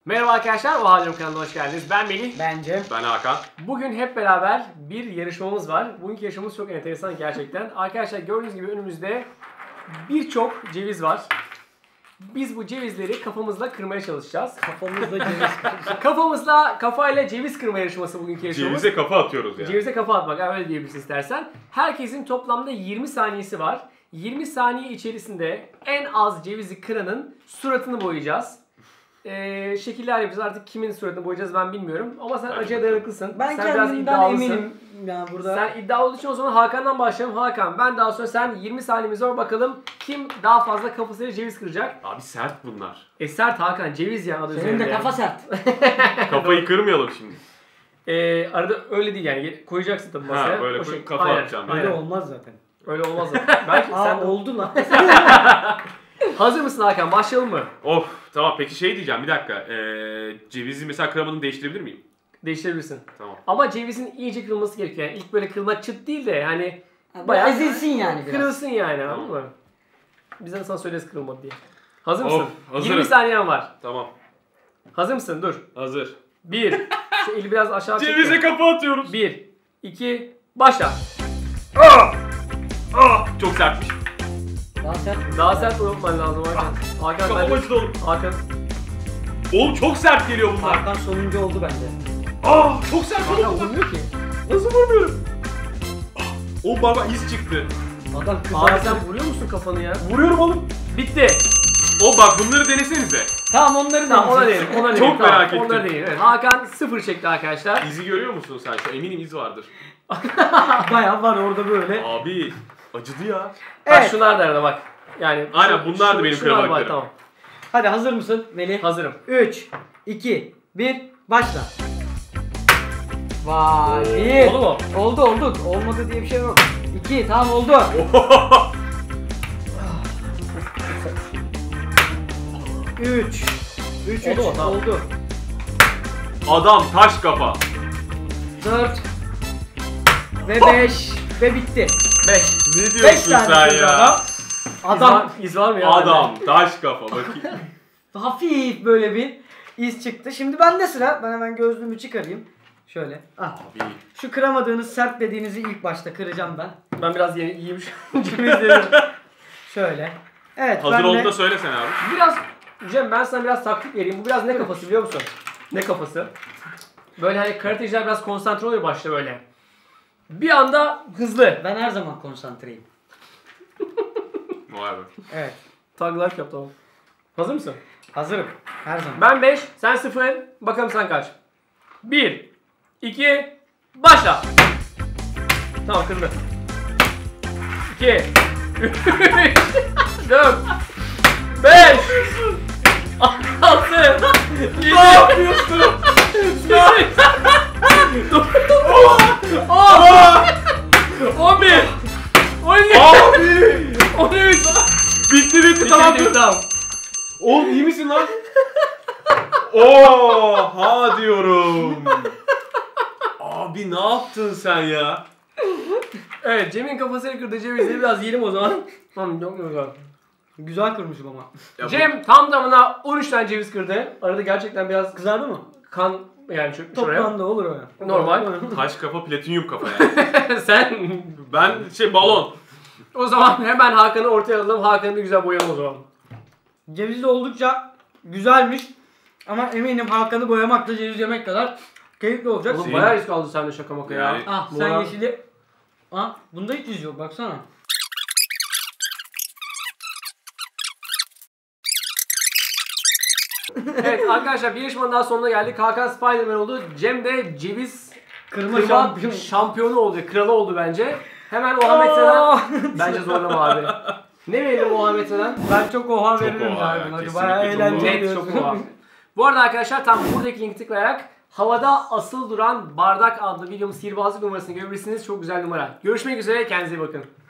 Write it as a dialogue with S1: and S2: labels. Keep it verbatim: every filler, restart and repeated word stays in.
S1: Merhaba arkadaşlar, Oha Diyorum kanalına hoş geldiniz. Ben Melih.
S2: Bence.
S3: Ben Hakan.
S1: Bugün hep beraber bir yarışmamız var. Bugünkü yarışmamız çok enteresan gerçekten. Arkadaşlar gördüğünüz gibi önümüzde birçok ceviz var. Biz bu cevizleri kafamızla kırmaya çalışacağız.
S2: Kafamızda ceviz kıracağız.
S1: Kafamızla, kafayla ceviz kırma yarışması bugünkü yarışmamız.
S3: Cevize kafa atıyoruz yani.
S1: Cevize kafa atmak, öyle diyebilirsin istersen. Herkesin toplamda yirmi saniyesi var. yirmi saniye içerisinde en az cevizi kıranın suratını boyayacağız. Ee, şekiller yapacağız. Artık kimin suratını boyayacağız ben bilmiyorum. Ama sen acıya dayanıklısın.
S2: Ben
S1: sen
S2: kendimden eminim ya burada.
S1: Sen iddialı olduğu için o zaman Hakan'dan başlayalım. Hakan, ben daha sonra sen yirmi saniyemiz var, bakalım kim daha fazla kafasıyla ceviz kıracak.
S3: Abi sert bunlar.
S1: E sert Hakan, ceviz ya adı
S2: Senin
S1: üzerinde
S2: de
S1: ya.
S2: kafa sert.
S3: Kafayı kırmayalım şimdi.
S1: Ee, arada öyle değil yani, koyacaksın tabii masaya.
S3: Ha, böyle
S1: O
S3: koy-
S1: şey-
S3: kafa
S1: Aynen,
S3: atacağım.
S2: Öyle
S1: aynen.
S2: olmaz zaten.
S1: Öyle olmaz zaten. Belki
S2: Aa
S1: sen
S2: oldu lan.
S1: Hazır mısın Hakan? Başlayalım mı?
S3: Of tamam, peki şey diyeceğim bir dakika. Ee, cevizi mesela kıramadığını değiştirebilir miyim?
S1: Değiştirebilirsin.
S3: Tamı
S1: Ama cevizin iyice kırılması gerekiyor. Yani ilk böyle kırılma çıt değil de yani
S2: Bayağı
S1: bayağı
S2: ezilsin yani biraz.
S1: kırılsın yani,
S3: Tamam.
S1: anladın mı? Biz de sana söyleriz kırılmadı diye. Hazır mısın?
S3: Of, hazırım.
S1: yirmi saniyen var.
S3: Tamam.
S1: Hazır mısın? Dur.
S3: Hazır.
S1: bir. Şu eli biraz aşağı çek.
S3: Cevize kafa atıyoruz.
S1: bir. iki. Başla.
S3: Ah! Ah! Çok sertmiş.
S2: Daha sert.
S1: Daha sert unutman lazım Hakan. Hakan
S3: Kafam
S1: ben
S3: acıdı oğlum.
S1: Hakan.
S3: Oğlum çok sert geliyor bunlar.
S2: Hakan sonuncu oldu bence.
S3: Ah! Çok sert
S1: Hakan
S3: oldu bunlar.
S1: vurmuyor ki.
S3: Nasıl vurmuyorum? Ah! Oğlum bana iz çıktı.
S2: Adam
S1: Abi
S2: kızar.
S1: sen vuruyor musun kafanı ya?
S3: Vuruyorum oğlum.
S1: Bitti.
S3: O bak bunları denesenize.
S2: Tamam onları
S1: Tamam ona
S2: deneyeceğiz.
S1: değilim. Ona
S3: Çok
S1: değilim. Tamam,
S3: merak ettim.
S1: Onlara değilim. Evet, Hakan sıfır çekti arkadaşlar.
S3: İzi görüyor musun sen? Şu eminim iz vardır.
S2: Bayağı var orada böyle.
S3: Abi acıdı ya.
S1: Bak
S2: Evet.
S1: şunlar da arada bak. Yani
S3: Aynen,
S1: şu-
S3: bunlar da
S1: şu-
S3: benim
S1: şunlar var,
S3: kıramadıklarım.
S1: Tamam.
S2: Hadi hazır mısın Melih?
S1: Hazırım.
S2: üç, iki, bir, başla. Vay. Bir.
S1: Oldu mu?
S2: Oldu oldu. Olmadı diye bir şey yok. iki, tamam oldu. üç. üç, üç.
S1: Oldu mu? Tamam.
S2: Oldu.
S3: Adam taş kafa.
S2: dört ve beş ve bitti.
S1: beş.
S3: Ne
S2: beş
S3: diyorsun
S2: tane
S3: sen
S2: kırdı
S3: ya?
S2: adam.
S1: Adam.
S2: Adam
S1: İz var mı ya?
S3: Adam taş kafa bakayım.
S2: hafif böyle bir iz çıktı. Şimdi bende sıra. Ben hemen gözlüğümü çıkarayım. Şöyle. Ah.
S3: Abi
S2: Şu kıramadığınız sert dediğinizi ilk başta kıracağım ben.
S1: Ben biraz yeni iyiyim şu an. Cevizlerim.
S2: Şöyle. Evet
S3: hazır
S2: ben de...
S3: olduğunda söylesene abi.
S1: Biraz Cem, ben sana biraz taktik vereyim. Bu biraz ne kafası biliyor musun? Ne kafası? Böyle hani karateciler biraz konsantre oluyor başta böyle. Bir anda hızlı.
S2: Ben her zaman konsantreyim.
S3: Vay be.
S2: Evet.
S1: Tag life yap, tamam. Hazır mısın?
S2: Hazırım. Her zaman.
S1: Ben beş, sen sıfır. Bakalım sen kaç? bir, iki, başla. Tamam, kırdı. iki, üç, dört, beş, altı, yedi,
S3: Ne yapıyorsun?
S1: on bir, on iki,
S3: Abi!
S1: on üç.
S3: Bitti bitti tamam.
S1: Tamam, tamam.
S3: Oğlum iyi misin lan? Oha diyorum. Abi ne yaptın sen ya?
S1: Evet, Cem'in kafasını kırdı. Cevizleri biraz yiyelim o zaman. Tamam, çok güzel.
S2: Güzel kırmışım ama.
S3: Ya bu
S1: Cem tam tamına on üç tane ceviz kırdı. Arada gerçekten biraz
S2: Kızardı mı?
S1: kan yani şu, şuraya.
S2: Toplamda olur o ya.
S1: Normal.
S3: taş kafa platinyum kafa yani.
S1: Sen
S3: Ben şey balon.
S1: o zaman hemen Hakan'ı ortaya alalım. Hakan'ı bir güzel boyayalım o zaman.
S2: Ceviz de oldukça güzelmiş. Ama eminim Hakan'ı boyamak da ceviz yemek kadar keyifli olacak.
S1: Oğlum
S3: Senin-
S1: bayağı risk aldın sen de, şaka maka ya.
S3: Yani-
S2: Ah
S1: Bu
S2: sen
S1: ara-
S2: yeşili... Ah bunda hiç iz yok baksana.
S1: Evet arkadaşlar, bir yarışmanın daha sonuna geldik. Hakan Spiderman oldu. Cem de ceviz
S2: Kırma,
S1: kırma
S2: şampiyon.
S1: şampiyonu oldu. Kralı oldu bence. Hemen Muhammed Selen.
S2: Aa!
S1: Bence zorlama abi. Ne verelim Muhammed Selen?
S2: Ben çok oha
S3: Çok
S2: veririm
S3: oha
S2: ya.
S3: ya,
S2: buna.
S3: kesinlikle
S2: Bayağı
S3: çok
S2: eğlenceli.
S1: Net
S2: diyorsun.
S1: çok oha. Bu arada arkadaşlar tam buradaki linki tıklayarak havada asıl duran bardak adlı videomun sihirbazlık numarasını görebilirsiniz. Çok güzel numara. Görüşmek üzere, kendinize iyi bakın.